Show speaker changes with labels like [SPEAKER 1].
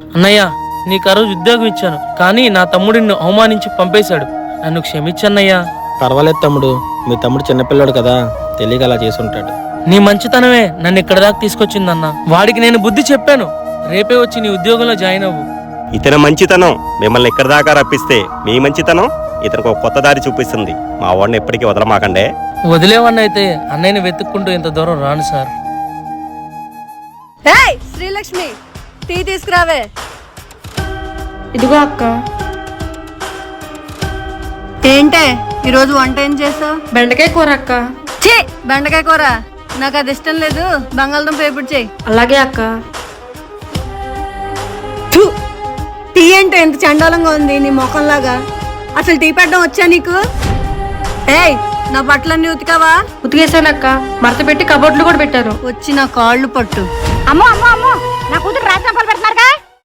[SPEAKER 1] అన్నయ్య, నీకు ఆ రోజు ఉద్యోగం ఇచ్చాను, కానీ నా తమ్ముడు నిన్ను అవమానించి పంపేశాడు. నన్ను క్షమించన్నయ్యా.
[SPEAKER 2] పర్వాలేదు తమ్ముడు, మీ తమ్ముడు చిన్నపిల్లాడు కదా, తెలియక అలా చేసుంటాడు.
[SPEAKER 1] నీ మంచితనమే నన్ను ఇక్కడ దాకా తీసుకొచ్చిందన్న. వాడికి నేను బుద్ధి చెప్పాను. రేపే వచ్చి నీ ఉద్యోగంలో జాయిన్ అవ్వు.
[SPEAKER 3] ఇతని మంచితనం మిమ్మల్ని ఇక్కడి దాకా రప్పిస్తే, మీ మంచితనం ఇతనికి ఒక కొత్త దారి చూపిస్తుంది. మా వాడిని ఎప్పటికీ వదలమాకండే.
[SPEAKER 1] వదిలేవన్నైతే అన్నయ్యని వెతుక్కుంటూ ఇంత దూరం రాను సార్.
[SPEAKER 4] ఏయ్ శ్రీలక్ష్మి, టీ తీసుకురావే.
[SPEAKER 5] ఇదిగో అక్క.
[SPEAKER 4] ఏంటే ఈరోజు వంట ఏం చేసావు?
[SPEAKER 5] బెండకాయ కూర అక్క.
[SPEAKER 4] ఛీ, బెండకాయ కూర నాకు అది ఇష్టం లేదు. బంగాళదుంప వేపుడు చెయ్యి.
[SPEAKER 5] అలాగే అక్క.
[SPEAKER 4] థు, టీ అంటే ఎంత చండాలంగా ఉంది నీ ముఖంలాగా. అసలు టీ పెట్టడం వచ్చా నీకు? ఏయ్, నా బట్టలన్నీ ఉతికావా?
[SPEAKER 5] ఉతికేసానక్క. మడత పెట్టి కబోర్డ్లు కూడా పెట్టాను.
[SPEAKER 4] వచ్చి నా కాళ్ళు పట్టు.
[SPEAKER 6] అమ్మో అమ్మో అమ్మో, నా కూతురు రాజనాపాలు పెడుతున్నారుగా.